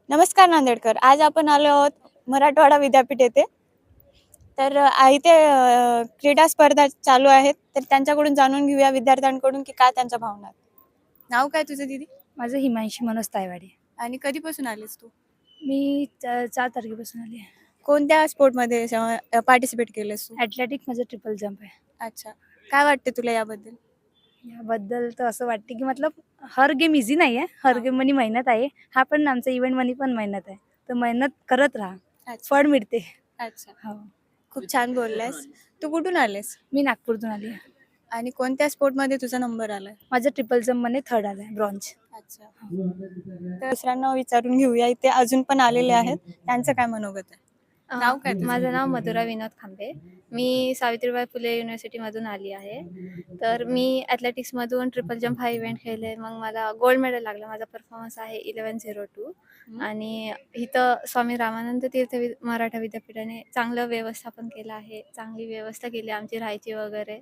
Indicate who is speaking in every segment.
Speaker 1: नमस्कार नांदेडकर. आज आपण आलो आहोत मराठवाडा विद्यापीठ येथे. तर इथे क्रीडा स्पर्धा चालू आहेत. तर त्यांच्याकडून जाणून घेऊया विद्यार्थ्यांकडून की काय त्यांच्या भावना आहेत. नाव काय तुझं दीदी?
Speaker 2: माझं हिमांशी मनोज तायवाडे.
Speaker 1: आणि कधीपासून आलीस तू?
Speaker 2: मी 4 तारखेपासून आली आहे.
Speaker 1: कोणत्या स्पोर्टमध्ये पार्टिसिपेट केलेस तू?
Speaker 2: ॲथलेटिक माझं ट्रिपल जंप आहे.
Speaker 1: अच्छा. काय वाटते तुला याबद्दल?
Speaker 2: याबद्दल तर असं वाटते की मतलब हर गेम इझी नाही आहे. हर
Speaker 1: हां.
Speaker 2: गेममध्ये मेहनत आहे. हा पण आमचा इव्हेंटमध्ये पण मेहनत आहे. तर मेहनत करत राहा.
Speaker 1: अच्छा.
Speaker 2: फळ मिळते.
Speaker 1: अच्छा.
Speaker 2: हो.
Speaker 1: खूप छान बोलल्यास. तू कुठून आलेस?
Speaker 2: मी नागपूरतून आली आहे.
Speaker 1: आणि कोणत्या स्पोर्टमध्ये तुझा नंबर आलाय?
Speaker 2: माझं ट्रिपल जंपमध्ये 3rd आलं आहे, ब्रॉन्झ.
Speaker 1: अच्छा. तर दुसऱ्यांना विचारून घेऊया. इथे अजून पण आलेले आहेत. त्यांचं काय मनोगत आहे? नाव काय तुझं?
Speaker 3: माझं नाव मधुरा विनोद खांबे. मी सावित्रीबाई फुले युनिव्हर्सिटीमधून आली आहे. तर मी ॲथलेटिक्समधून ट्रिपल जंप हा इव्हेंट खेळले. मग मला गोल्ड मेडल लागलं. माझा परफॉर्मन्स आहे 11:02 आणि इथं स्वामी रामानंद तीर्थ मराठा विद्यापीठाने चांगलं व्यवस्थापन केलं आहे. चांगली व्यवस्था केली आमची राहायची वगैरे.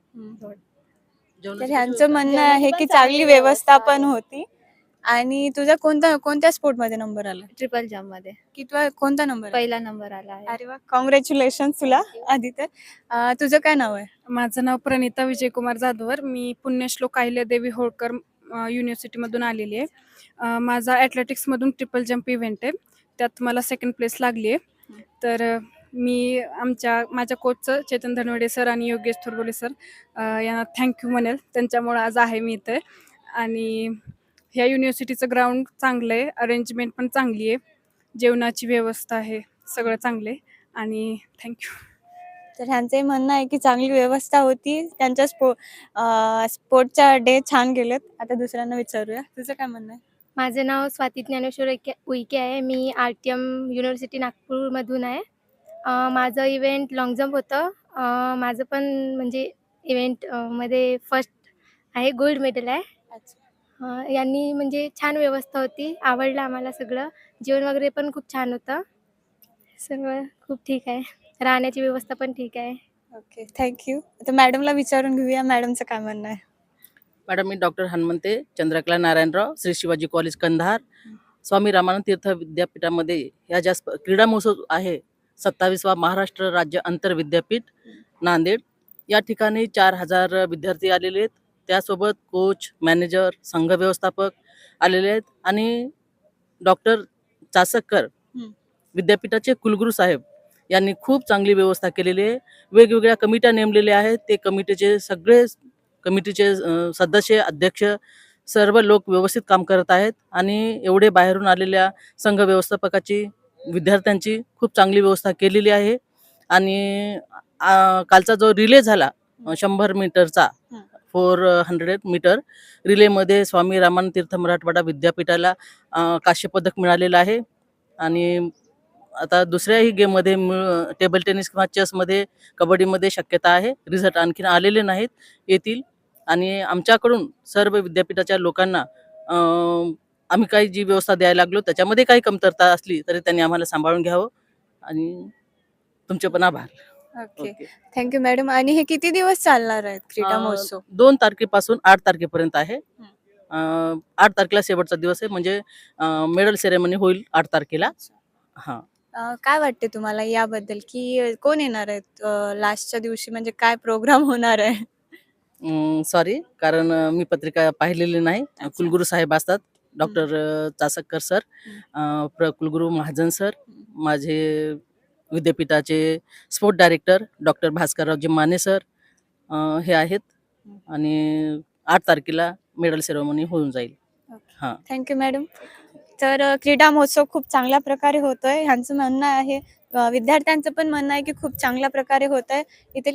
Speaker 1: तर ह्यांचं म्हणणं आहे की चांगली व्यवस्था पण होती. आणि तुझा कोणत्या स्पोर्टमध्ये नंबर आला?
Speaker 3: ट्रिपल जंपमध्ये
Speaker 1: कितवा कोणता नंबर आहे?
Speaker 3: पहिला नंबर आला आहे.
Speaker 1: अरे वा, कॉंग्रॅच्युलेशन तुला आधी तर. तुझं काय नाव आहे?
Speaker 4: माझं नाव प्रणिता विजयकुमार जाधवर. मी पुण्यश्लोक अहिल्यादेवी होळकर युनिव्हर्सिटीमधून आलेली आहे. माझा ॲथलेटिक्समधून ट्रिपल जंप इव्हेंट आहे. त्यात मला 2nd प्लेस लागली आहे. तर मी माझ्या कोचचं चेतन धनवडे सर आणि योगेश थोरबोले सर यांना थँक्यू म्हणेल. त्यांच्यामुळं आज आहे मी इथे. आणि ह्या युनिव्हर्सिटीचं ग्राउंड चांगलं आहे. अरेंजमेंट पण चांगली आहे. जेवणाची व्यवस्था आहे. सगळं चांगलं आहे आणि थँक्यू.
Speaker 1: तर ह्यांचंही म्हणणं आहे की चांगली व्यवस्था होती. त्यांच्या स्पोर्टच्या डे छान गेलेत. आता दुसऱ्यांना विचारूया. तुझं काय म्हणणं आहे?
Speaker 5: माझं नाव स्वाती ज्ञानेश्वर उईके आहे. मी RTM युनिव्हर्सिटी नागपूरमधून आहे. माझं इव्हेंट लाँग जंप होतं. माझं पण म्हणजे मध्ये फर्स्ट आहे, गोल्ड मेडल आहे.
Speaker 1: अच्छा.
Speaker 5: यांनी म्हणजे छान व्यवस्था होती. आवडलं आम्हाला सगळं. जेवण वगैरे पण खूप छान होतं. सर्व खूप ठीक आहे. राहण्याची व्यवस्था पण ठीक आहे.
Speaker 1: Okay, thank you. आता मॅडमला विचारून घेऊया. मॅडमचं काय म्हणणं आहे?
Speaker 6: मॅडम, मी डॉक्टर हनुमंते चंद्रकला नारायणराव, श्री शिवाजी कॉलेज कंधार, स्वामी रामानंद तीर्थ विद्यापीठामध्ये ह्या ज्या क्रीडा महोत्सव आहे 27वा महाराष्ट्र राज्य आंतर विद्यापीठ नांदेड, या ठिकाणी 4000 विद्यार्थी आलेले आहेत. त्यासोबत कोच, मॅनेजर, संघ व्यवस्थापक आलेले आहेत आणि डॉक्टर चासकर विद्यापीठाचे कुलगुरू साहेब यांनी खूप चांगली व्यवस्था केलेली आहे. वेगवेगळ्या कमिट्या नेमलेल्या आहेत. ते कमिटीचे सदस्य, अध्यक्ष सर्व लोक व्यवस्थित काम करत आहेत आणि एवढे बाहेरून आलेल्या संघ व्यवस्थापकाची, विद्यार्थ्यांची खूप चांगली व्यवस्था केलेली आहे. आणि कालचा जो रिले झाला 100 मीटरचा, 400 मीटर रिलेमध्ये स्वामी रामानंद तीर्थ मराठवाडा विद्यापीठाला कांस्य पदक मिळालेलं आहे. आणि आता दुसऱ्याही गेममध्ये टेबल टेनिस किंवा चेसमध्ये, कबड्डीमध्ये शक्यता आहे. रिझल्ट आणखीन आलेले नाहीत, येतील. आणि आमच्याकडून सर्व विद्यापीठाच्या लोकांना आम्ही काही जी व्यवस्था द्यायला लागलो त्याच्यामध्ये काही कमतरता असली तरी त्यांनी आम्हाला सांभाळून घ्यावं. आणि तुमचे पण आभार.
Speaker 1: Okay, thank you madam. आणि हे किती दिवस चालणार आहेत क्रीडा महोत्सव?
Speaker 6: 2 तारखेपासून 8 तारखेपर्यंत आहे. 8 तारखेला शेवटचा दिवस आहे, म्हणजे मेडल सेरेमनी होईल 8 तारखेला. हां.
Speaker 1: काय वाटते तुम्हाला याबद्दल की कोण येणार आहेत लास्टच्या दिवशी, म्हणजे काय प्रोग्राम होणार आहे?
Speaker 6: सॉरी, कारण मी पत्रिका पाहिलेली नाही. कुलगुरू साहेब असतात, डॉक्टर चासकर सर, कुलगुरू महाजन सर, माझे विद्यापीठाचे sport director doctor Bhaskarraoji Mane sir हे आहेत. आणि 8 तारखेला मेडल सेरेमनी होऊन जाईल. हां.
Speaker 1: Thank you madam. तर क्रीडा महोत्सव खूप चांगल्या प्रकारे होतोय. ह्यांचं म्हणणं आहे, विद्यार्थ्यांचं पण म्हणणं आहे की खूप चांगल्या प्रकारे होत आहे. इथे